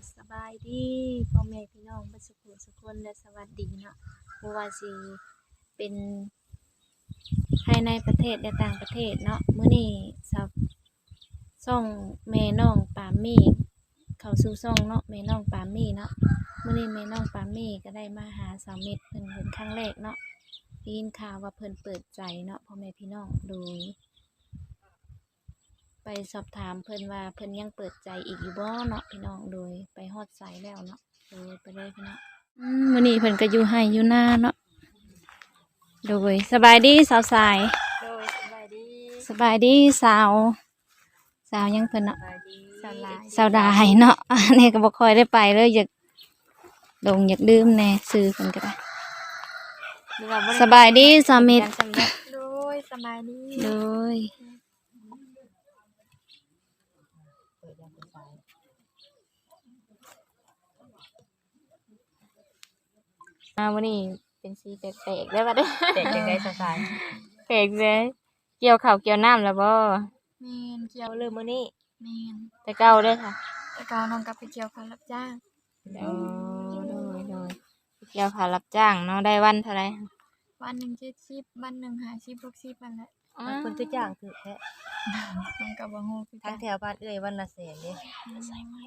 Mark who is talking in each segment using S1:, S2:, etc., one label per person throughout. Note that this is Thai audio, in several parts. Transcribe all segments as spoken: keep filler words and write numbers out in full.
S1: สบายดีพ่อแม่พี่น้องเบ่สุขสุขคนและสวัสดีเนาะบ่ว่าสิเป็นภายในประเทศและต่างประเทศเนาะมื้อนี้สาวช่องแม่น้องปามี่เข้าสู่ช่องเนาะแม่น้องปามี่เนาะมื้อนี้แม่น้องปามี่ก็ได้มาหาสาวเม็ดเพิ่นเป็นครั้งแรกเนาะได้ยินข่าวว่าเพิ่นเปิดใจเนาะพ่อแม่พี่น้องโดยไปสอบถามเพิ่นว่าเพิ่นยังเปิดใจอีกอยู่บ่เนาะพี่น้องโดยไปฮอดไสแล้วเนาะโดยไปเลยพี่น้องอืมมื้อนี้เพิ่นก็อยู่ไร่อยู่นาเนาะโดยสบายดีสาวสาย
S2: โดยสบายดี
S1: สบายดีสาวสาวยังเพิ่นเนาะ
S2: สบายดี
S1: สาวลายสาวดายเนาะ อันนี้ก็บ่ค่อยได้ไปเลยอยากลงอยากดื่มแน่ซื้อเพิ่นก็ได้สบายดีสามิตร
S2: โดยสบายดี
S1: โดยมาวันนี้เป็นสีแปลกๆได้ป่ะเด้อ
S2: เด็กยังไงสบาย
S1: แปลกเลยเกี่ยวข้าวเกี่ยวน้ำแล้วบ่
S2: แม่นเกี่ยว
S1: เอาเริ่มมื้อนี้
S2: แม่น
S1: แต่เก่าเด้อค่ะ
S2: แต่ก็น้องกลับไปเกี่ยวข้าวรับจ้าง
S1: อ๋อโดยโดยเกี่ยวข้าวรับจ้างเนาะได้วันเท่าไหร่
S2: วันหนึ่งเจ็ดสิบวันหนึ่งห้าสิบหกสิบวันละ
S1: อ๋อ
S3: เพิ่นคือจ้างคือแท้
S2: น้องก็บ่ฮู้คือกั
S3: ทาง
S2: น
S3: แถวบ้านเอ้ยวันละแสนเด้
S2: ใส่ไม้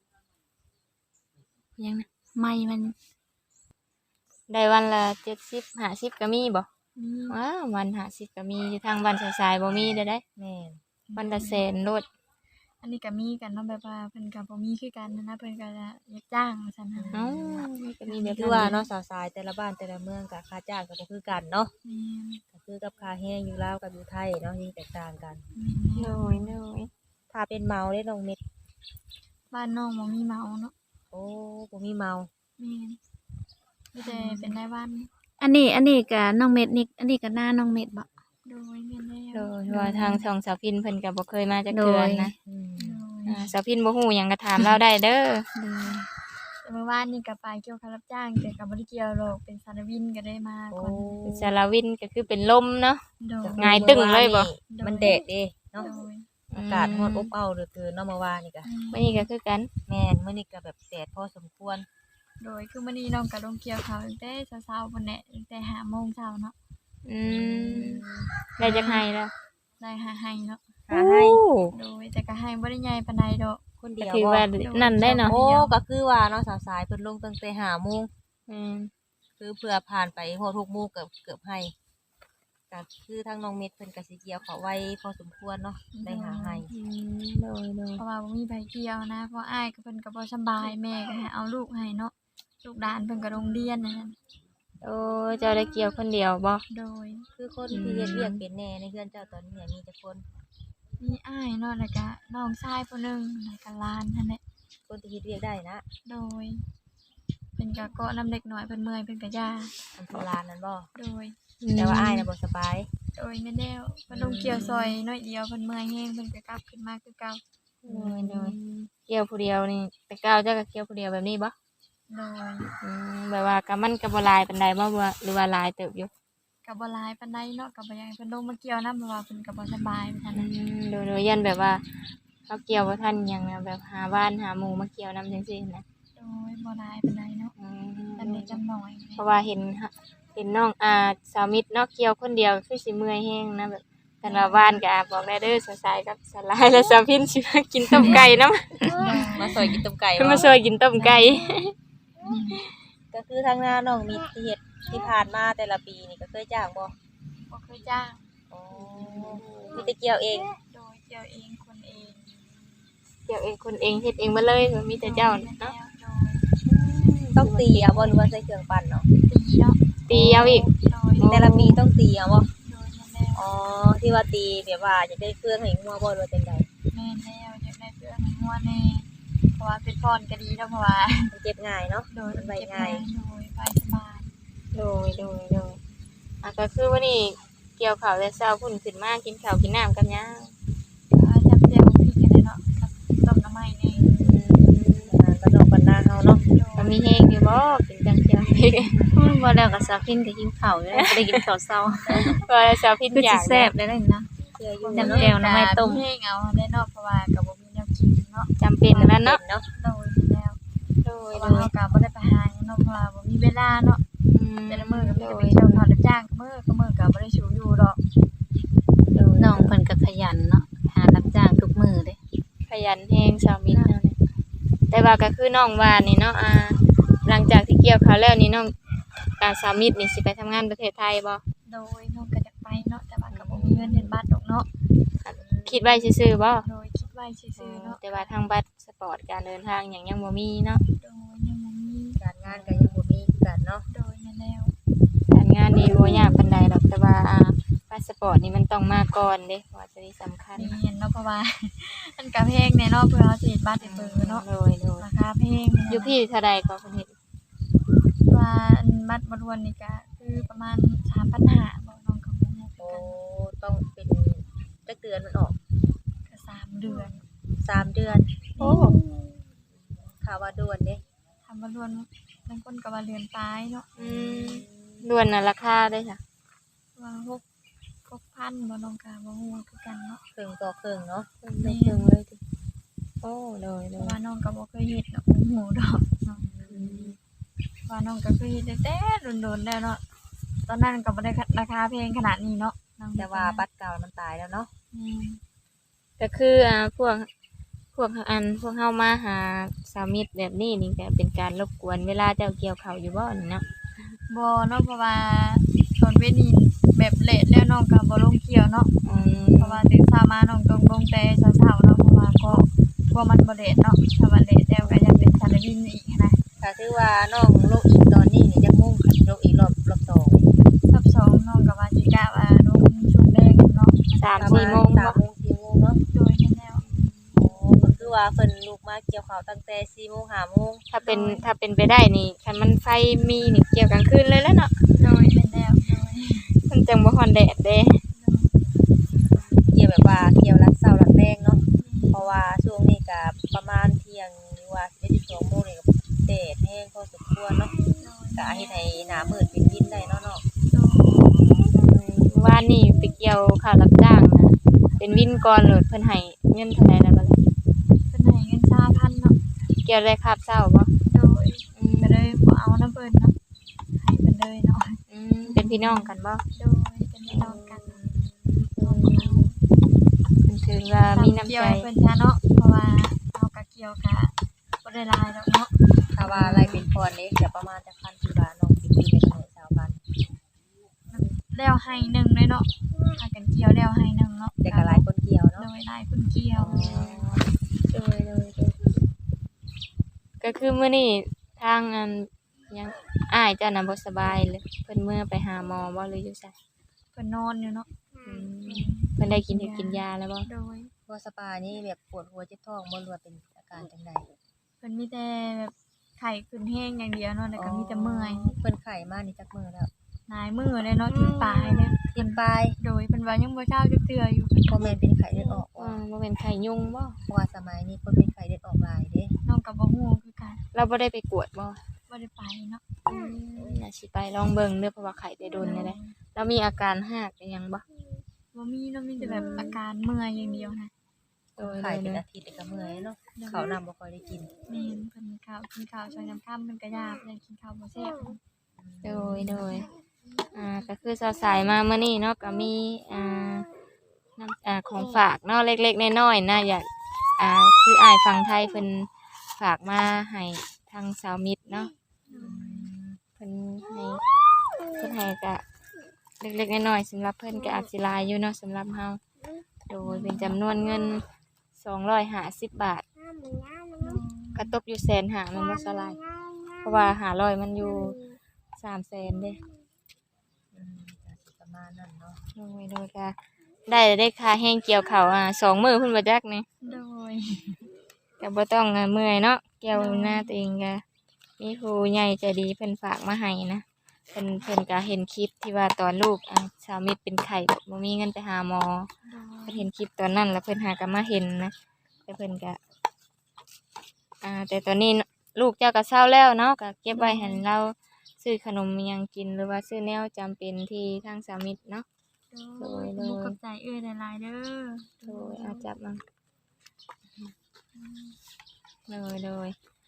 S1: ยังนะ
S2: ไม้มัน
S1: ได้วันละเจ็ดสิบห้าสิบก็มีบ่
S2: มี
S1: ว้าววันห้าสิบก็มีอยู่ทางบ้านสายๆบ่มีเด้อได้
S3: แม่น
S1: วันละแสนโลด
S2: อันนี้ก็มีกันเนาะแบบว่าเพิ่นก็บ่มีคือกันนะนะเพิ่นก็จะอยากจ้างว่าซั่นน่ะ
S1: เอ้ามันก็มีแบบ
S3: คือว่าเนาะสาวสายแต่ละบ้านแต่ละเมืองก็ค่าจ้างก็บ่คือกันเนาะ
S2: แม่น
S3: ก็คือกับค่าแห้งอยู่ลาวกับอยู่ไทยเนาะยิ่งแตกต่างกัน
S2: แม่น
S1: โด
S2: แน่
S1: ยโดย
S3: ถ้าเป็นเมาเด้น้องเม็ด
S2: บ้านน้องบ่มีเหมาเนาะ
S3: โอ้บ่มีเมา
S2: แม่นมีแต่เป็นรายวัน
S1: อันนี้อันนี้ก็น้องเม็ดนี่อันนี้ก็หน้าน้องเม็ดบ่
S2: โดยแม่นแล้
S1: โด
S2: วย
S1: ว่าทางช่องสาวพินเพิ่นก็บ่เคยมาจักเทื่อนะ
S3: อืม
S2: โดย
S1: อ่าสาวพินบ่ฮู้หยังก็ถามเราได้เด้อ
S2: โดยแต่เมื่อวานนี่ก็ไปเกี่ยวกับรับจ้างแต่ก็บ่ได้เกี่ยวหรอกเป็นสารวินก็ได้มา
S3: โอ้
S2: คน
S1: เป็นสารวินก็คือเป็นลมเนาะ
S2: โดย
S1: หงายตึ้งเลยบ่
S3: มันแดดเด้
S2: โด
S3: เนาะ
S2: ย
S3: อากาศร้อนอบอ้าวเหลือเกินเนาะเมื่อวานนี่ก็
S1: มื้อนี้ก็คือกัน
S3: แม่นมื้อนี้ก็แบบแดดพอสมควร
S2: โดยคือมื้อนี้น้องก็ลงเกี่ยวเขาวตั้งแต่เช้าๆพุ่นแหละตั้งแต่ห้าโมงเช้าเนาะ
S1: อืมได้จักให้แล้ว
S2: ได้หาให้เนาะ
S3: หาให้
S2: โดยแต่ก็ให้บ่ได้ใหญ่ปานใดดอก
S3: คน
S1: ก็
S3: เดียว
S1: ถือ
S3: บ่
S1: ว่านั่นได้เนาะ
S3: โอ้ก็คือว่าเนาะสาวสายเพิ่นลงตั้งแต่ห้าโมง
S1: อืม
S3: คือเพื่อผ่านไปฮอดหกโมงเกือบเกือบให้ก็คือทางน้องเม็ดเพิ่นก็สิเกี่ยวเขาไว้พอสมควรเนาะได้หาให้
S1: อืมโดยโดย
S2: เพราะว่าบ่มีไผเกี่ยวนะเพราะอ้ายก็เพิ่นก็บ่สำบายแม่ก็ให้เอาลูกให้เนาะลูกหลานเพิ่นก็โรงเรียนนั่นน่ะ
S1: โอ้เจ้าได้เกี่ยวคนเดียวบ่
S2: โดย
S3: คือคนที่เฮ็ดเวียกเป็นแหน่ในเฮือนเจ้าตอนนี้เนี่ยมีแต่คน
S2: มีอ้ายเนาะแล้วก็น้องชายผู้หนึงแล้วก็หลานนั่นแหละ
S3: คนที่เฮ็ดเวียกได้นะ
S2: โดยเป็นกะเกาะน้ำเด็กน้อยเพิ่นเมื่อยเพิ่นกะยา
S3: อันโบราณนั่นบ่
S2: โดย
S3: แต่ว่าอ้ายน่ะบ่สบาย
S2: โดยแม่นแล้วเพิ่นลงเกี่ยวซอยน้อยเดียวเพิ่นเมื่อยแฮงเพิ่นก็กลับขึ้นมาคือเก่า
S1: โดยโดยเกี่ยวผู้เดียวนี่แต่ก้าวเจ้าก็เกี่ยวผู้เดียวแบบนี้บ่
S2: โดย
S1: อืมแบบว่าก็มันก็บ่หลายปานใดบ่ว่าหรือว่าหลายเติบอยู่
S2: ก็บ่หลายปานใดเนาะก็บ่อยากให้เพิ่นลงมาเกี่ยวนํเพราะว่าเพิ่นก็บ่สบายเหมือนกัน
S1: อื
S2: นะ
S1: มโดยโดยยันแบบว่าเขาเกี่ยวบ่ทันหยังนะแบบหาบ้านหาหมู่มาเกี่ยวนํจังซี่นะ
S2: โดยบ่หลายปานใดเนาะ
S1: อื
S2: จำเด็ก
S1: ม
S2: จำน้อย
S1: เพราะว่าเห็นฮะเห็นน้องอ่าสาวมิตรเนาะเกี่ยวคนเดียวคือสิเมื่อยแฮงนะแบบกันว่าบ้านก็อาบอกได้เด้อสายๆกับสลายและสาวพินสิมากินต้มไก่นำ
S3: มาซอยกินต้มไก่
S1: เพิ่น
S3: บ่
S1: มาช่วยกินต้มไก่
S3: ก็คือทางหน้าน้องมีที่เฮ็ดที่ผ่านมาแต่ละปีนี่ก็เคยจ้างบ่
S2: บ่เคยจ้าง
S3: อ๋อมีแต่เกี่ยวเอง
S2: โดยเกี่ยวเองคนเอง
S1: เกี่ยวเองคนเองเฮ็ดเองมาเลยมีแต่เจ้า
S2: โดย
S1: เนาะ
S2: โดย
S3: ต้องตีเอาบ่หรือว่าใช้เครื่องปั่นเนาะ
S2: ตีเนาะ
S1: ตีเอาอีก
S2: โดย
S3: แต่ละปีต้องตีเอาบ่
S2: โดยแม่นแล้ว
S3: อ๋อที่ว่าตีแบบว่าจะได้เครื่องให้งัวบ่หรือว่าจังได
S2: แม่นแล้วอยากได้เพื่อนให้งัวแน่เพราะว่าเป็นพรก็ดีเนาะเพราะว่า
S3: มันเจ็บง่ายเนาะ
S2: โดย
S3: มันใบ
S2: เก็บ
S3: ง่าย
S2: โดยไปสบาย
S1: โดยโดยโดยอ่ะก็คือวันนี้เกี่ยวข้าวแต่เช้าพุ่นขึ้นมากินข้าวกินน้ำกันยัง
S2: ก็จำเจียวพริกกันเลยเนาะกับต้มน้ำไม้นี่
S3: อ่าก็น้องปันนาเฮาเนาะ
S2: โด
S1: ก็
S2: ย
S1: มีแห้งอยู่บ่เป็นจังเจียวอีก
S4: บ่แล้วก็สาวพินก็หิวข้าวอยู่แล้วบ่ได้กินข้าวเช้า
S1: ก็เช้าพิน
S4: คือ
S1: อยา
S4: สิ
S1: ก
S4: แซ่บได้เลยนะ
S3: เชื่ออยู่
S4: จำแจ่วน้ำไม้ต้ม
S2: เพลงเอาได้เนาะเพราะว่ากับบ่มีแนวกินเนาะ
S1: จำเป็นแล้วเนาะ
S3: เนาะ
S2: โดยแล้วว่าเฮาก็บ่ได้ไปหาหยังเนาะเพราะว่าบ่มีเวลาเนาะ
S1: อืม
S2: แต่ละมื้อก็มี
S1: โด
S2: แต่ไป
S1: ย
S2: เที่ยวเขารับจ้างก็มื้อก็มื้อก็บ่ได้สูอยู่ดอก
S1: โดย
S4: น้องเพิ่นก็ขยันเนาะหารับจ้างทุกมื้อเด้
S1: ขยันแฮงสาวมิตรเนาะเนี่ยแต่ว่าก็คือน้องว่านี่เนาะอ่าหลังจากที่เกี่ยวข้าวแล้วนี่น้องอ่าสาวมิตรนี่สิไปทำงานประเทศไทยบ่
S2: โดยน้องก็อยากไปเนาะแต่ว่าก็บ่มีเงินเดือนบาทดอกเนาะ
S1: คิดไว้ซื่อๆบ่
S2: โดยคิดไว้ซื่อๆเนาะ
S1: แต่ว่าทางบัตรสปอร์ตการเดินทางหยังยังบ่มีเนาะ
S2: โดยยังบ่มี
S3: การงานก็ยังบ่มีคือกันเนาะ
S2: โดยนั่นแล้ว
S1: การงานนี่บ่ยากปานใดดอกแต่ว่าอ่าพาสปอร์ตนี่มันต้องมาก่อนเด้เพราะว่าจะได้สำคัญ
S2: นี่เห็นเนาะเพราะว่า มันก็แพงแน่เนาะเพื่อเฮาสิเฮ็ดบัตรให้เบิ่งเนาะ
S1: โดยโดย
S2: ราคาแพงแน่
S1: อยู่พี่เท่าใดก็เพิ่นเฮ็ด
S2: ว่าอันบัตรบ่รวนนี่ก็คือประมาณ สามพันห้าร้อยบ่น้องก็บ่ฮู้คือ
S3: โอ้
S2: กัน
S3: ต้องเป็นจักเดือนมันออก
S2: ก็สามเดือน
S3: สามเดือน
S1: โอ้
S3: ข่าวว่าด่วนเด้
S2: ทำบ่รวนบางคนก็ว่าเดือนปลายเนาะ
S1: อืมล้วนน่ะราคาได้จ้ะ
S2: ว่าหก หกพันบ่น้องก็บ่ฮู้คือกันเนาะ
S3: ครึ่งต่อครึ่งเนาะ
S1: เพิ่นได้เพิ่งเลยติโอ้โดย
S2: เพ
S1: โด
S2: ราะ
S1: ย
S2: ว่าน้องก็บ่เคยเฮ็ดเนาะบ่ฮู้ดอกเนาะ
S1: อืม
S2: ว่าน้องก็เคยเฮ็ดตั้งแต่โดนๆแล้วเนาะตอนนั้นก็บ่ได้ราคาแพงขนาดนี้เนาะน้อง
S3: แต่ว่าบัตรเก่ามันตายแล้วเนาะ
S2: อืม
S1: ก็คืออ่าพวกพวกอันพวกเฮามาหาสามิตรแบบนี้นี่ก็เป็นการรบกวนเวลาเจ้าเกี่ยวข้าวอยู่บ่นี่เนาะ
S2: บ่เนาะเพราะว่าตอนเว้นนี่แบบเลทแล้วน้องก็บ่ลงเกี่ยวเนาะ
S1: อืม
S2: เพราะว่าตื่นเช้ามาน้องต้องลงแต่เช้าๆเนาะเพราะว่าก็กลัวมันบ่เลทเนาะถ้ามันเลทแล้วก็ยังเป็นสารวินอีกนะ
S3: ก็คือว่าน้องลงอีกตอนนี้นี่จักมุ่งขัดลงอีกรอบรอบสอง
S2: รอบสองน้องก็ว่าสิกะว่าลงช่วงแรกเนาะ
S1: สาม
S3: ประ
S1: สี่
S3: ณ
S1: โมง
S3: สา
S1: บ่
S3: มโมงสี่โมงเนาะ
S2: โดยนั่นแล้ว
S3: โอ้ก็คือว่าเพิ่นลุกมาเกี่ยวข้าวตั้งแต่สี่โมงห้าโมง
S1: ถ้าเป็นถ้าเป็นไปได้นี่คันมันไฟมีนี่เกี่ยวกลางคืนเลยแล้วเนาะ
S2: โดยนั่นแล้วโดย
S1: มันจังบ่ฮ้อนแดดเด้
S3: เกี่ยวแบบว่าเกี่ยวรัดเช้ารัดแรงเนาะเพราะว่าช่วงนี้ก็ประมาณเที่ยงหรือว่าสิบเอ็ด สิบสองโมงนี่ก็แดดแห้งพอสมควรเนาะก็เฮ็ดให้หน้ามืดเป็นวินได้เนาะเนาะ
S1: วานนี่ไปเกี่ยวข้าวรับจ้างนะเป็นวินก่อนโหลดเพิ่นให้เงินเท่าใดแล้วบัดนี้
S2: เพิ่นให้เงินสามพันเนาะ
S1: เกี่ยวได้คาบเช้าบ่
S2: โดย
S1: อืม
S2: ก็เลยบ่เอาน้ำเพิ่นเนาะให้เพิ่นเลยเนาะ
S1: อืมเป็นพี่น้องกันบ่
S2: โดยเป็นพี่น้องกัน
S1: มันถือว่ามีน้ำ
S2: เกี่ยว
S1: ใจ
S2: ให้เพิ่นจ้าเนาะเพราะว่าเฮาก็เกี่ยวกะบ่ได้หลายดอกเนาะ
S3: ถ้าว่าอะไรเป็นพรนี่จะประมาณจักพันที่ว่าน้องเป็นวินได้เท่าไหร่สาวพัน
S2: แล้วให้หนึ่งเลยเนาะพากันเกี่ยวแล้วให้หนึ่งเนาะ
S3: แต่ก็หลายคนเกี่ยว
S2: โด
S3: เนาะ
S2: ยหลายคนเกี่ยว
S1: โดยโดยโดยก็คือมื้อนี้ทางอันยังอ้ายเจ้าน่ะบ่สบายเลยเพิ่นเมื่อไปหาหมอบ่หรืออยู่ไส
S2: เพิ่นนอนอยู่เนาะ
S1: อืมเพิ่นได้กินกินยาแล้วบ่
S2: โดย
S3: ว่าสปานี่แบบปวดหัวเจ็บท้องบ่รู้ว่าเป็นอาการจังได
S2: เพิ่นมีแต่แบบไข้ขึ้นแห้งอย่างเดียวเนาะแล้วก็มีแต่เมื่อย
S3: เพิ่นไข้มานี่จักมื้อแล้ว
S2: หลายมื้อเลยเนาะที่ปลายเนี่ย
S3: ทิ่มปลาย
S2: โดยเพิ่นว่ายังบ่เช้าจักเทื่ออยู่
S3: บ่แม่นเป็นไข้เลือดออก
S1: ว่า
S3: ว่า
S1: บ่เป็นไข้ยุงบ่
S3: เพราะว่าสมัยนี้คนเป็นไข้เลือดออกหลายเด้
S2: น้องก็บ่ฮู้คือกัน
S1: เราบ่ได้ไปกวดบ่
S2: บ่ได้ไปเนาะ
S1: อืมน่าสิไปลองเบิ่งเด้อเพราะว่าไข้ได้โดนนี่แหละแล้วมีอาการหากอิหยังบ่
S2: บ่มีเนาะมีแต่แบบอาการเมื่อยอย่างเดียวนะ
S1: โดย
S3: ไข้
S1: โด
S3: เป็น
S1: ย
S3: อาทิตย์ก็เมื่อยเนาะข้าวน้ำบ่ค่อยได้กิน
S2: แม่นเพิ่นข้าวกินข้าวช่วงยามค่ำเพิ่นก็ยากยังกินข้าวบ่แซ่บ
S1: โดยโดยอ่าก็คือสายๆมาเมื่อนี้เนาะก็มีอ่าน้ำอ่าของฝากเนาะเล็กๆน้อยๆนะอยากอ่าคืออ้ายฝั่งไทยเพิ่นฝากมาให้ทางสาวมิตรเนาะเพิ่นให้เพิ่นให้ก็เล็กๆน้อยๆสำหรับเพิ่นก็อาจสิหลายอยู่เนาะสำหรับเฮาโดยเป็นจำนวนเงินสองร้อยห้าสิบบาทก็ตกอยู่แสนห้าแม่นบ่สลายเพราะว่าห้าร้อยมันอยู่สามแสนเด้
S3: อืมก็สิประมาณนั้นเนาะ
S1: โดยโดยก็ได้ได้ค่าแห้งเกี่ยวข้าวอ่าสองมื้อเพิ่นบ่จักนี่
S2: โดย
S1: ก็บ่ต้องอ่าเมื่อยเนาะเกี่ยวหน้าตัวเองก็มีผู้ใหญ่ใจดีเพิ่นฝากมาให้นะเพิ่นเพิ่นก็เห็นคลิปที่ว่าตอนลูกอ่าสาวมิตรเป็นไข้แบบบ่มีเงินไปหาหมอเพิ่นเห็นคลิปตอนนั้นแล้วเพิ่นหาก็มาเห็นนะแต่เพิ่นก็อ่าแต่ตอนนี้ลูกเจ้าก็เศร้าแล้วเนาะก็เก็บไว้ให้เราซื้อขนมอิหยังกินหรือว่าซื้อแนวจำเป็นที่ทางสาวมิตรเนาะ
S2: โดยมุกกับใจเอ้ยหลายๆเด้อ
S1: โดยอาจับมาเลยเลยอ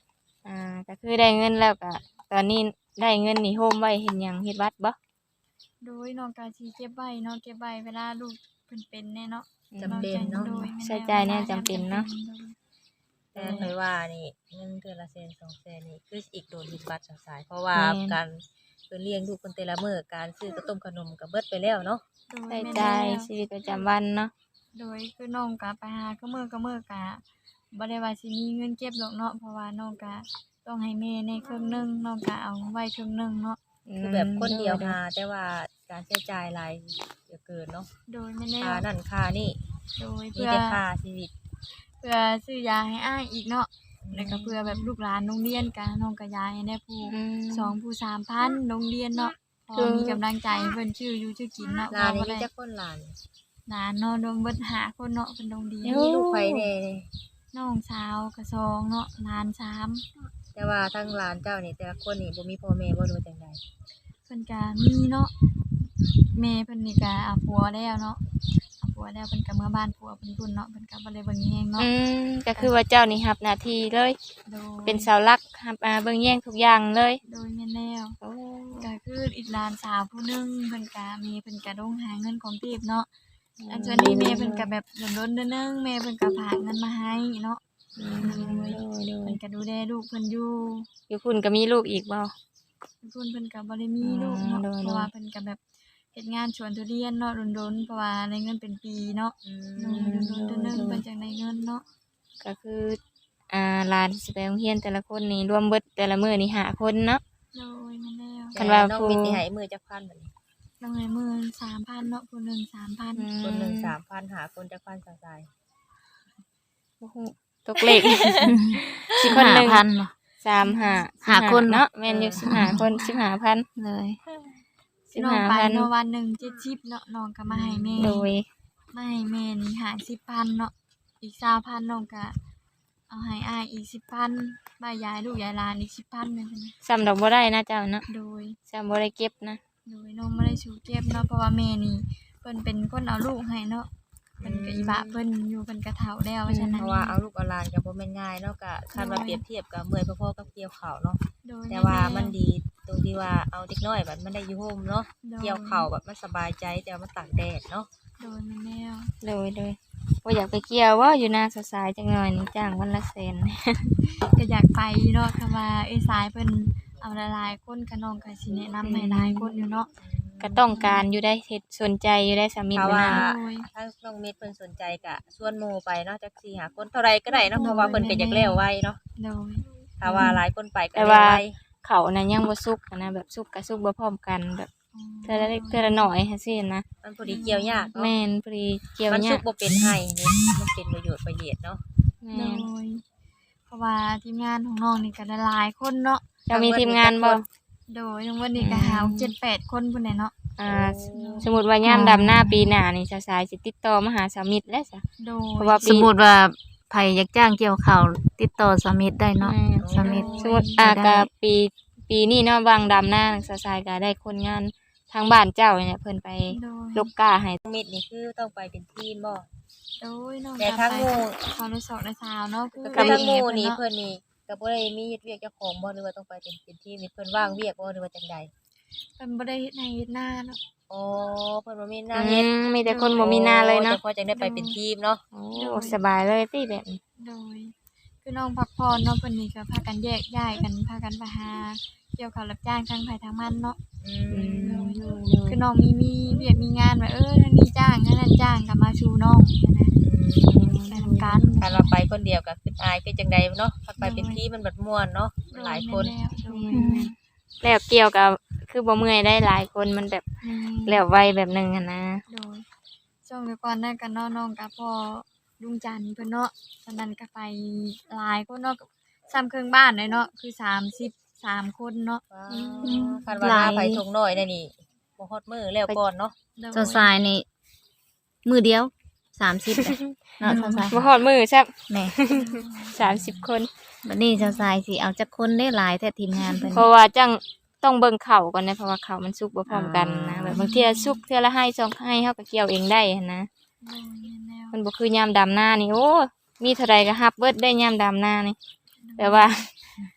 S1: อ่าก็คือได้เงินแล้วก็ตอนนี้ได้เงินนี่โฮมไว้เฮ็ดหยังเฮ็ดวัดบ่
S2: โดยน้องก็สิเก็บไว้เนาะเก็บไว้เวลาลูกเพิ่นเป็นแน่เนาะ
S3: จำเป็นเนาะ
S2: โดยแม่
S1: ใช้จ่ายเนี่ยจำเป็นเนาะ
S3: แต่เคยว่านี่เงินเดือนละแสนสองแสนนี่คืออีกโดนยึดบัตรสายเพราะว่าการเพิ่นเลี้ยงลูกคนแต่ละมื้อการซื้อกระต้มขนมก็เบิดไปแล้วเนาะ
S2: โดย
S1: ใช้
S2: แม่
S1: จ่าย
S2: แล้ว
S1: ชีวิตประจำวันเนาะ
S2: โดยคือน้องก็ไปหาก็มื้อก็มื้อก็บ่ได้ว่าสิมีเงินเก็บดอกเนาะเพราะว่าน้องก็ต้องให้แม่ในครึ่งหนึงน้องก็เอาไว้ครึ่งหนึงเนาะ
S3: คือแบบคนเดียวหาแต่ว่าการใช้จ่ายหลายเหลือเกินเนาะ
S2: โดยแม่แล้
S3: ค่าว นั่นค่านี่
S2: โดย
S3: มี
S2: เพื่อ
S3: แต่ค่าชีวิต
S2: เพื่อซื้อยาให้อ้ายอีกเนาะแล้วก็เพื่อแบบลูกหลานโรงเรียนก็น้องก็ยายให้ได้ผู้
S1: อืม
S2: สองผู้สามพันโรงเรียนเนาะพ
S1: คือ
S2: อมีกำลังใจเพิ่นชื่ออยู่ชื่อกินเนาะ
S3: หลาน
S2: บ่
S3: นี่มี
S2: ได้
S3: จักคนหลาน
S2: หลานเนาะรวมเบิดห้าคนเนาะเพิ่นโรงเรียน
S3: มีลูกไผแน่
S2: น้องสาวก็สองเนาะหลานสาม
S3: แต่ว่าทั้งหลานเจ้านี่แต่ละคนนี่บ่มีพ่อแม่บ่รู้จังได๋
S2: เพิ่นก็มีเนาะแม่เพิ่นนี่ก็เอาผัวแล้วเนาะเอาผัวแล้วเพิ่นก็เมื่อบ้านผัวเพิ่นพุ่นเนาะเพิ่นก็บ่ได้เบิ่งแยงเนาะ
S1: อืมก็คือว่าเจ้านี่รับหน้าที่เลย
S2: โดย
S1: เป็นเสาหลักรับอ่าเบิ่งแย่งทุกอย่างเลย
S2: โดยแม่นแล้ว
S1: โอ้
S2: ก็คืออีกหลานสาวผู้หนึงเพิ่นก็มีเพิ่นก็ต้องหาเงินของทีบเนาะอันส่วนนี้แม่เพิ่นก็แบบล้นๆเด้อนึงแม่เพิ่นก็ฝากเงินมาให้เนาะ
S1: อืมโดยโดย
S2: เพิ่นก็ดูแลลูกเพิ่นอยู่
S1: อยู่คุณก็มีลูกอีกบ่
S2: เพิ่นเพิ่นก็บ่ได้มีลูกเนาะ
S1: อืมโดย
S2: เพราะว่าเพิ่นก็แบบเฮ็ดงานสวนทุเรียนเนาะดนๆเพราะว่าได้เงินเป็นปีเนาะ
S3: อื
S2: โด
S3: ม
S2: ยดนๆเด้อนึงเพิ่นจังได้เงินเนาะ
S1: ก็คืออ่าหลานสิไปโรงเรียนแต่ละคนนี่รวมเบิดแต่ละมื้อนี่ห้าคนเนาะ
S2: โดยแม่นแล้ว
S1: คันว่า
S3: น้อง
S1: ครู
S3: มีสิให้มื้อจักพันบัดนี้
S2: ต้องให้มื้อสามพันเนาะผู้หนึงสามพัน
S1: อืม
S3: คนหนึงสามพันหาคนจักพันสาย
S1: โอ้โหตกเลข สิคนหนึ่ง
S4: พันเนาะ
S1: สามห้า
S4: ห้าคน
S1: เนาะแม่นอยู่สิบห้าคนสิบห้าพัน
S4: เลย
S2: สิน้องไป
S1: สิบห้าพัน
S2: เนาะวันหนึงเจ็ดสิบเนาะน้องก็มาให้แม่
S1: โดย
S2: มาให้แม่นี่ห้าสิบพันเนาะอีกสามพันน้องก็เอาให้อ้ายอีกสิบพันบ่ายยายลูกยายหลานอีกสิบพันแม่นซั่นนะ
S1: ซ้ำดอกบ่ได้นะเจ้าเนาะ
S2: โดย
S1: ซ้ำบ่ได้เก็บนะ
S2: โดยน้องบ่ได้สู่เก็บเนาะเพราะว่าแม่นี่เพิ่นเป็นคนเอาลูกให้เนาะเพิ่นก็อีบะเพิ่นอยู่เพิ่นก็เฒ่าแล้วฉะ
S3: ๆ
S2: นั้
S3: เพ
S2: น
S3: ราะว่าเอาลูกเอาหลานก็บ่แม่นง่ายเนาะก็คันว่าเปรียบเทียบกับเมื่อยพอๆกับเกี่ยวข้าวเนาะ
S2: โดย
S3: แต่ว่ามันดีตรงที่ว่าเอาเด็กน้อยแบบมันได้อยู่โฮมเนาะเกี่ยวข้าวแบบมันสบายใจแต่ว่ามันตากแดดเนาะ
S2: โดยแม่แนว
S1: โดยโดยบ่อยากไปเกี่ยวว่าอยู่นาสายๆจังหน่อยนี่จ้างวันละแสน
S2: ก็อยากไปเนาะคำว่าเอ้ยสายเพิ่นเอาหลายๆคนก็น้องก็สิแนะนำให้หลายคนอยู่เนาะ
S1: ก็ต้องการอยู่ได้เฮ็ดสนใจอยู่ได้สามี
S3: ถ้า
S1: บ่
S3: ว่า
S1: นาน
S2: โดย
S3: ถ้าน้องเม็ดเพิ่นสนใจก็ชวนหมู่ไปเนาะจักสี่หาคนเท่าไรก็ได้เนาะเพราะว่าเพิ่นก็อยากแล้วไว้เนาะ
S2: โดย
S3: ถ้าว่าหลายคนไปก็
S1: แต่
S3: แล้ว
S1: ว่า
S3: ไว้
S1: เขาน่ะยังบ่สุกอะนะแบบสุกกับสุกบ่พร้อมกันแบบเทื่อละเล็กเทื่อละน้อยจังซี่นะ
S3: มันพอดีเกี่ยวยากเนาะ
S1: แม่นพอดีเกี่ยว
S3: มัน
S1: เนี่
S3: สุ
S1: ย
S3: กบ่เป็นให้นี่มันเป็นประโยชน์ประโยชน์เนาะ
S2: โด
S1: แม่น
S2: ยเพราะว่าทีมงานของน้องนี่ก็หลายๆคนเนาะ
S1: เจะมีทีมงานบ่
S2: โดยทั้งวันนี้ก็หาเจ็ดแปดคนพุ่นน่ะเนาะ
S1: อ่าสมมุติว่ายามดำหน้าปีหน้านี่สาวๆสิติดต่อมาหาสามิตรแล้วจ้ะ
S2: โดย
S1: เพราะว่า
S4: สมมุติว่าไผอยากจ้างเกี่ยวข้าวติดต่อสมิธได้เนาะ
S1: แม่น
S4: สมิธ
S1: สมมุติอ่าก็ปีปีนี้เนาะวางดำหน้าสาวๆก็ได้คนงานทางบ้านเจ้าเนี่ยเพิ่นไป
S2: โดย
S1: ลกกาให้
S3: มิดนี่คือต้องไปเป็นทีมบ่
S2: โดยน้อง
S3: แต่
S2: ก็
S3: ทั้ง
S2: ไป
S3: หมู่
S2: เขาได้สอบได้สาวเนาะคือ
S3: ก็คือทั้งหมู่
S2: ไป
S3: นี่
S2: เนาะ
S3: เพิ่นนี่ก็บ่ได้มีเฮ็ดเวียกเจ้าของบ่หรือว่าต้องไปเป็นเป็นทีมนี่เพิ่นว่างเวียกบ่หรือว่าจังใด
S2: เพิ่นบ่ได้เฮ็ดให้เฮ็ดหน้าเนาะ
S3: อ๋อเพิ่นบ่มีหน้า
S1: อื
S3: เฮ็ด
S1: มมีแต่คนบ่มีหน้าเลยเนาะ
S3: โอ้ฉพาะจังได้ไปเป็นทีมเนาะ
S1: โอ้สบายเลยติแบบนี้
S2: โดย คือน้องพักผ่อนเนาะเพิ่นนี่ก็พากันแยกย้ายกันพากันไปหาเกี่ยวกับรับจ้างทางไผทางมันเนาะ
S3: อื
S1: อื
S3: ม
S1: ม
S2: คือน้องมีมีเวียกมีงานว่าเออนั่นนี่จ้างนั่นนั่นจ้างก็มาชูน้องนะไปทำการ
S3: คันว่าไปคนเดียวก็คืออายคือจังใดเนาะคันไปเป็นทีมมันบัดม่วนเนาะมันหลายคน
S2: โดย
S1: แล้วเกี่ยวกับคือบ่เมื่อยได้หลายคนมันแบบ
S2: แม่น
S1: แล้วไวแบบหนึงอะนะ
S2: โดยช่วงเดียวก่อนนั่นกันเนาะน้องกับพ่อลุงจันทร์เพิ่นเนาะตอนนั้นก็ไปหลายคนเนาะซ้ำครึ่งบ้านเลยเนาะคือสามสิบสามคนเนาะ
S3: ว้าวคันว่าหน้าไผทงน้อยได้นี่บ่ฮอดมื้อแล้วก่อนเนาะ
S2: โดย
S4: เจ้าทรายนี่มือเดียวสามสิบเนาะเจ้าทราย
S1: บ่ฮอดมือซับ
S4: แหม่
S1: สามสิบคน
S4: บัดนี้เจ้าทรายสิเอาจักคนได้หลายแต่ทีมงานเพิ่น
S1: เพราะว่าจังต้องเบิ่งเข่าก่อนนะเพราะว่าเข่ามันสุกบ่พร้อมกันนะ
S4: อ่า
S1: แบบบางเทีสุกเทื่อละให้สองให้เฮาก็เกี่ยวเองได้หั้นนะ
S2: โดยแนว
S1: มันบ่คือยามดำหน้านี่โอ้มีเท่าใดก็รับเบิดได้ยามดำหน้านี่แปลว่า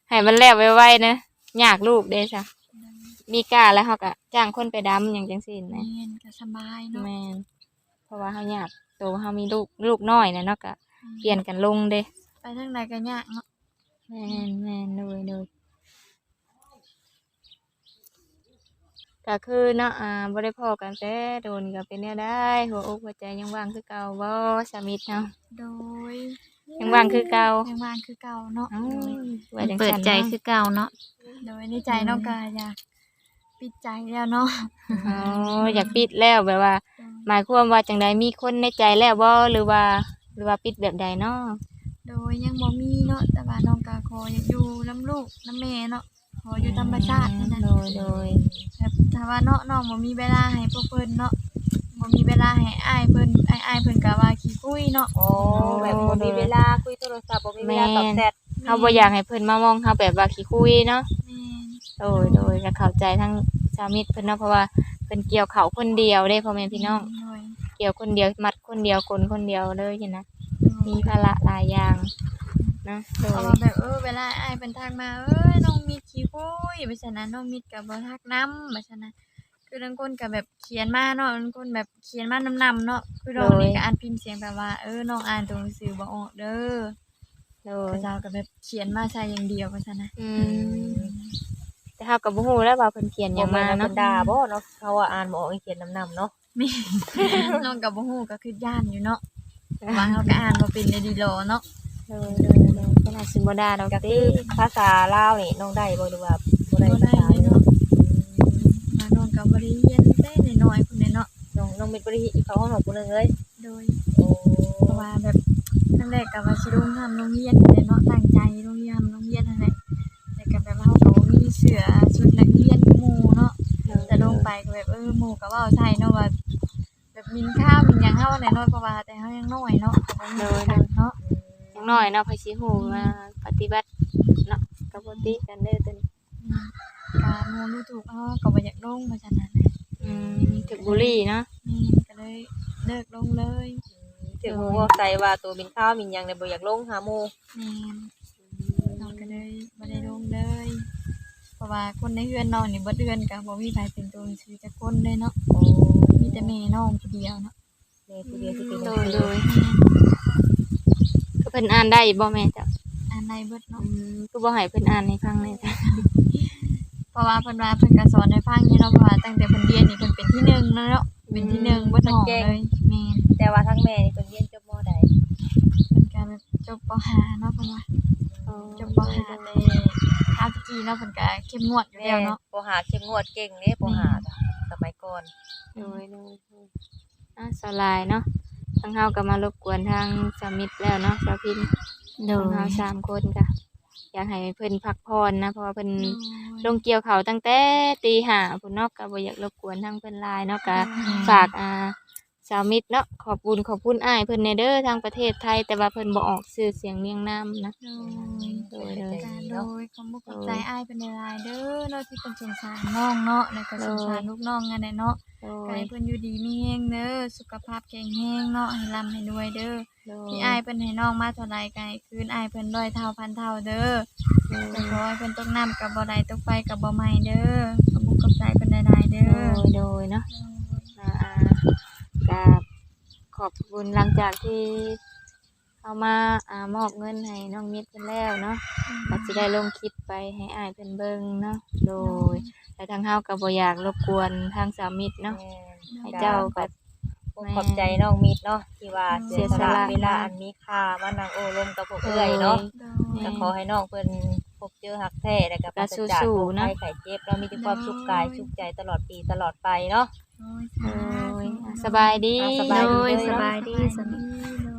S5: ให้มันแล้วไวๆนะยากลูกเด้จ้ะมีกล้าแล้วเฮาก็จ้างคนไปดำหยังจังซี่
S2: แม่
S5: นะ
S2: นก็สบายเนาะ
S5: แม่นเพราะว่าเฮาอยากโตเฮามีลูกลูกน้อยน่ะเนาะก็เปลี่ยนกันลงเด้
S2: ไปทางใดก็ยากเนาะ
S5: แม่นแม่นเลยเลยก็คือเนาะอ่าบ่ได้พ้อกันแต่โดนก็เป็นแนวใดหัวอกหัวใจยังว่างคือเก่าบ่สามิตรเนาะ
S2: โดย
S5: ยังว่างคือเก่า
S2: ยังว่างคือเก่าเนาะ
S5: เอ้าว่าจัง
S4: เปิด
S5: ซั่น
S4: ใจ
S5: เนาะ
S4: คือเก่าเนาะ
S2: โดยในใจน้องก็อยากปิดใจแล้วเนาะ
S5: อ๋ออยากปิดแล้วแบบว่า หมายความว่าจังใดมีคนในใจแล้วบ่หรือว่า หรือว่าปิดแบบใดเนาะ
S2: โดยยังบ่มีเนาะแต่ว่าน้องก็ขออยากอยู่นํลูกนํแม่เนาะขออยู่ธรรมชาตินั่นน่ะ
S5: โดยโดย
S2: แบบถ้าว่าเนาะน้องบ่มีเวลาให้พวกเพิ่นเนาะบ่มีเวลาให้อ้ายเพิ่นอ้ายอ้ายเพิ่นก็ว่าขี้คุยเนาะ
S3: โอ้แบบบ่มีเวลาคุยโทรศัพท์บ่มีเวลาตอบแชท
S5: เฮาบ่อยากให้เพิ่นมามองเฮาแบบว่าขี้คุยเนาะ
S2: แม่น
S5: โดยโดยก็เข้าใจทั้งสามิตรเพิ่นเนาะเพราะว่าเพิ่นเกี่ยวเขาวคนเดียวเด้พ่อแม่พี่น้อง
S2: โดย
S5: เกี่ยวคนเดียวมัดคนเดียวคนคนเดียวเลยจังนะ
S2: โดย
S5: มีภาระหลายอย่างนะโด
S2: เพราะ
S5: ย
S2: ว่าแบบเออเวลาอ้ายเพิ่นทักมาเอ้ยน้องมิดขี้คุยว่าซั่นนะน้องมิดก็บ่ทักนำว่าซั่นนะคือบางคนก็แบบเขียนมาเนาะบางคนแบบเขียนมานำๆเนาะคือน้องนี่ก็อ่านพิมพ์เสียงแบบว่าเออน้องอ่านตัวหนังสือบ่ออกเด้อ
S5: โด
S2: พ
S5: ย
S2: ระเจ้าก็แบบเขียนมาใส่อย่างเดียวว่าซั่นนะ
S5: อืมแต่เฮาก็บ่ฮู้แล้วว่าเพิ่นเขียนห
S3: ยั
S5: ยัง ง
S3: มา
S5: มา
S3: เนาะ
S5: เนาะ
S3: ด่าบ่เนาะเขาว่าอ่านบ่ออกเขียนนำๆเนาะ
S2: แม่ น้องก็บ่ฮู้ก็คือย่านอยู่เนาะว่าเฮาก็อ่านบ่เป็นได้ดีหรอเนาะ
S5: โดยโดยโดยขนาดสิบ่ได้ดอก
S3: ก็
S5: ติ
S3: คือภาษาลาวนี่น้องได้บ่หรือว่าบ่ได้
S2: บ่
S3: ภา
S2: ได้
S3: ษา
S2: เลยเนาะมาน้องก็บ่ได้เรียนแต่น้อยๆพุ่นเด้เนาะ
S3: น้องน้องมิตรบ่ได้เขาห้องของผู้นึงเลย
S2: โดย
S3: โอ้
S2: เพราะว่าแบบนั่นแหละก็ว่าสิลงทำโรงเรียนนั่นแหละเนาะตั้งใจโรงเรียนโรงเรียนนั่นแหละแต่ก็แบบว่าเฮาก็บ่มีเสื้อชุดนักเรียนคือหมู่เนาะแต่ลงไปก็แบบเออหมู่ก็เว้าใส่เนาะว่าแบบมินข้าวมินหยังเฮาแน่เนาะเพราะว่าแต่เฮายังน้อยเนาะก็บ่มีกันเนาะ
S5: อย่างน้อยเนาะเพิ่นสิฮู้ว่าปฏิบัติเนาะก็บ่ติกันเด้อตัวนี้
S2: อืมก็หมู่รู้ถูกเฮาก็บ่อยากลงว่าซั่นน่ะนะ
S5: อืมถึกบุรีเนาะ
S2: แม่นก็เลยเลิกลงเลย
S3: ถึงฮู้ว่าใจว่าตัวมินข้าวมินหยังเนี่ยบ่อยากลงหาหมู่
S2: แม่นน้องก็เลยบ่ได้ลงเลย เพราะว่าคนในเฮือนน้องนี่บ่เดือนก็บ่มีไผเป็นตัวหนังสือจักคนเลยเนาะ
S3: โอ้
S2: มีแต่แม่น้องผู้เดียวเนาะ
S3: แม่ผู้เดียวที่เป็น
S5: โด
S3: หนัง
S5: ย
S3: สื
S5: โด
S3: อย
S5: ก็เพิ่นอ่านได้บ่แม่จ้ะ
S2: อ่านได้เบิด
S5: อื
S2: เนาะ
S5: มก็บ่ให้เพิ่นอ่านให้ฟังเลยจ้ะ
S2: เพราะว่าเพิ่นว่าเพิ่นก็สอนให้ฟังอยู่เนาะเพราะว่าตั้งแต่เพิ่นเรียนนี่เพิ่นเป็นที่หนึ่งแล้วเนาะเป็นที่หนึ่งเบิดห้องเลยแม่น
S3: แต่ว่าทั้งแม่นี่เพิ่นเรียนจบม.ใด
S2: เพิ่นก็แบบจบป .ห้า เนาะเพิ่นว่าจบป .ห้า แต่ข้าวตะกี้เนาะเพิ่นก็เข้มงวดอยู่
S3: แม่
S2: แล้วเนาะ
S3: ปหาเข้มงวดเก่งเด้ปหาจ้ะสมัยก่อน
S5: โดยโดยโดยอ่ะสลายเนาะทางเฮาก็มารบกวนทางสามิตรแล้วเนาะสาวพิน
S4: โด
S5: ทาง
S4: ย
S5: เฮาสามคนก็อยากให้เพิ่นพักผ่อนนะเพราะว่าเพิ่นลงเกี่ยวเขาวตั้งแต่ตีห้าพุ่นเนาะก็บ่อยากรบกวนทางเพิ่นหลายเนาะก็ฝากอ่าสาวมิตรเนาะขอบคุณขอบคุณอ้ายเพิ่นแน่เด้อทางประเทศไทย แต่ว่าเพิ่นบ่ออกชื่อเสียงเรียงนามนะ
S2: โดย
S5: โดยโดย
S2: การโดยขอบคุณขอบใจอ้ายเป็นหลายๆเด้อเนาะที่เพิ่นสงสารน้องเนาะแล้วก็สงสารลูกน้องนั่นแหละเนาะ
S5: โด
S2: ก็
S5: ย
S2: ให้เพิ่นอยู่ดีมีแรงเด้อสุขภาพแข็งแรงเนาะให้ร่ำให้รวยเด้อ
S5: โดย
S2: ที่อ้ายเพิ่นให้น้องมาเท่าใดก็ให้คืนอ้ายเพิ่นร้อยเท่าพันเท่าเด้อแต่ขอให้เพิ่นตกน้ำกับบ่ได้ตกไฟกับบ่ไหม้เด้อขอบคุณขอบใจเพิ่นหลายๆเด้
S5: โด
S2: อย
S5: โดยเนาะ อ่าก็ขอบคุณหลังจากที่เอามาอ่ามอบเงินให้น้องมิตรเพิ่นแล้วเนาะก็สิได้ลงคลิปไปให้อ้ายเพิ่นเบิ่งเนาะโดยแต่ทางเฮาก็บ่อยากรบกวนทางสามิตรเนาะ
S3: แม่
S5: ให้เจ้าก็
S3: ขอบใจน้องมิตรเนาะที่ว่าเสียส
S5: เสียส
S3: ละ
S5: ละ
S3: เวลาอันมีค่ามานั่งโอ้ลมกับพวกเอื้อยเนาะ
S2: โดย
S3: ก็ขอให้น้องเพิ่นพบเจอฮักแท้แล้วก็ปราศจาก
S5: สู้
S3: โรค
S5: ๆเนาะ
S3: ภัยไข้เจ็บเรามีแต่ความสุขกายสุขใจตลอดปีตลอดไปเนาะ
S2: โอ้ย
S5: โด
S2: สาธุ
S5: ยอ่ะสบายดี
S3: อ่ะส
S4: โด
S3: บายดี
S4: ย
S3: เด้อ
S4: สบายดีส
S2: ส
S4: บาย
S2: บายดี